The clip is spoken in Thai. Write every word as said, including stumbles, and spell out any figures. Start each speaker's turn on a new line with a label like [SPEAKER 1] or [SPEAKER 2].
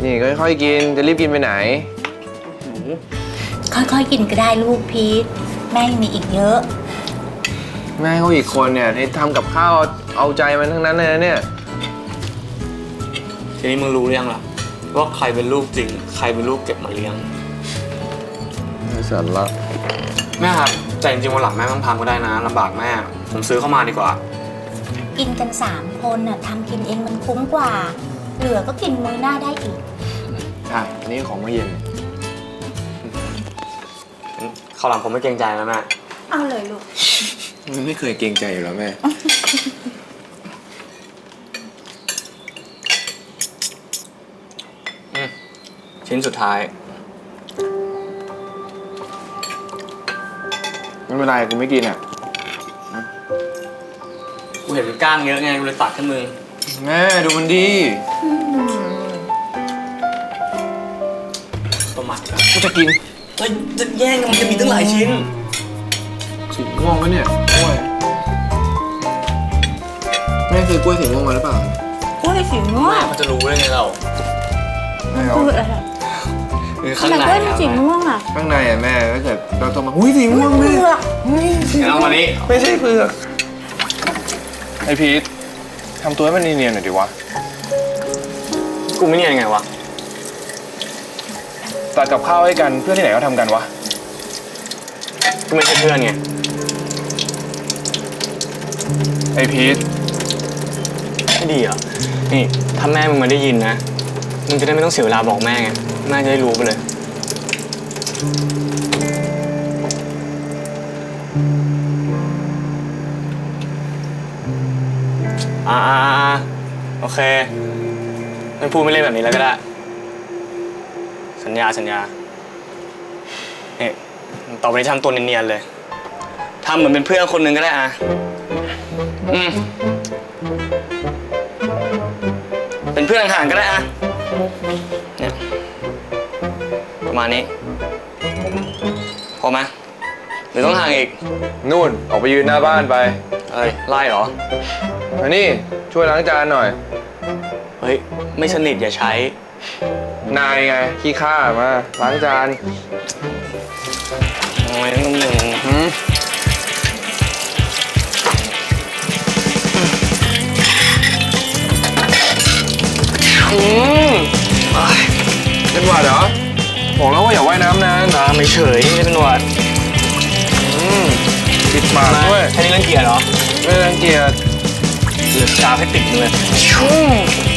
[SPEAKER 1] นี่ค่อยๆกินจะรีบกินไปไหน
[SPEAKER 2] ค่อยๆกินก็ได้ลูกพีทแม่ยังมีอีกเยอะ
[SPEAKER 1] แม่เขาอีกคนเนี่ยที่ทำกับข้าวเอาใจมันทั้งนั้นเลยนะเนี่ย
[SPEAKER 3] ทีนี้มึงรู้หรือยังล่ะว่าใครเป็นลูกจริงใครเป็นลูกเก็บมาเลี้ยง
[SPEAKER 1] ไม่สนละ
[SPEAKER 3] แม่ครับแต่จริงๆวันหลังแม่ต้องทำก็ได้นะลำบากแม่ผมซื้อเข้ามาดีกว่า
[SPEAKER 2] กินกันสามคนน่ะทำกินเองมันคุ้มกว่าเหลือก็กินมื้อหน้าได้อีก
[SPEAKER 1] ใช่อันนี้ของมื้อเย็น
[SPEAKER 3] ข้าวหลังผมไม่เกรงใจแล้วแม่
[SPEAKER 2] เอาเลยลูก
[SPEAKER 1] มันไม่เคยเกรงใจอยู่แล้วแม่
[SPEAKER 3] ชิ้นสุดท้าย
[SPEAKER 1] ไม่เป็นไรกูไม่กินอ่ะ
[SPEAKER 3] กูเห็นมันก้างเยอะไงกูเลยตัดขึ้นมือ
[SPEAKER 1] แม่ดูมันดี
[SPEAKER 3] ตัวหมัด
[SPEAKER 1] กูจะกิน
[SPEAKER 3] จะจะแย่งมันจะมีตั้งหลายชิ้น
[SPEAKER 1] สีม่วงวะเนี่ยกล้วยแม่เคยกล้วยสีม่วงมาหรือเปล่าก
[SPEAKER 2] ล้วยสีม่วง
[SPEAKER 3] มันจะรู้ได้ไงเรา
[SPEAKER 2] พูดอะไร
[SPEAKER 3] ข้างใน
[SPEAKER 2] กล้วยสีม่วงอ่ะ
[SPEAKER 1] ข้างในอ่ะแม่ถ้าเกิดเราต้องมาหุ้ยสีม่วงแม่
[SPEAKER 3] เอามานี้
[SPEAKER 1] ไม่ใช่เปลือกไอพีททำตัวให้มันเนียนๆหน่อยดิวะ
[SPEAKER 3] กูไม่เนียนยังไงวะ
[SPEAKER 1] ตัดกับข้าวให้กันเพื่อนที่ไหนเขาทำกันวะ
[SPEAKER 3] ก็ไม่ใช่เพื่อนไง
[SPEAKER 1] ไอพีท
[SPEAKER 3] ไม่ดีอ่ะนี่ถ้าแม่มึงมาได้ยินนะมึงจะได้ไม่ต้องเสียเวลาบอกแม่ไงแม่จะได้รู้ไปเลยอ่าโอเคไม่พูดไม่เล่นแบบนี้แล้วก็ได้สัญญาสัญญาเนี่ยต่อไปนี้ทำตัวเนียนๆเลยทำเหมือนเป็นเพื่อนคนหนึ่งก็ได้อ่ะอืมเป็นเพื่อนห่างๆก็ได้อ่ะเนี่ยประมาณนี้พอไหมหรือต้องห่างอีก
[SPEAKER 1] นู่นออกไปยืนหน้าบ้านไป
[SPEAKER 3] เฮ้ยไล่เหรอ
[SPEAKER 1] อันนี้ช่วยล้างจานหน่อย
[SPEAKER 3] เฮ้ยไม่สนิทอย่าใช้
[SPEAKER 1] นายไงขี้ข้ามาล้างจาน
[SPEAKER 3] โอ้ยนุ่มหนึ่งอืม
[SPEAKER 1] เป็นหวัดเหรอบอกแล้วว่าอย่าว่ายน้ำนาน
[SPEAKER 3] น้ำไม่เฉยไม่เป็นหวัด
[SPEAKER 1] ปิดปากด้วย
[SPEAKER 3] แค่นี้รังเกียจเหรอ
[SPEAKER 1] ไม่รังเกียจ
[SPEAKER 3] เหลือชาให้ติดเลย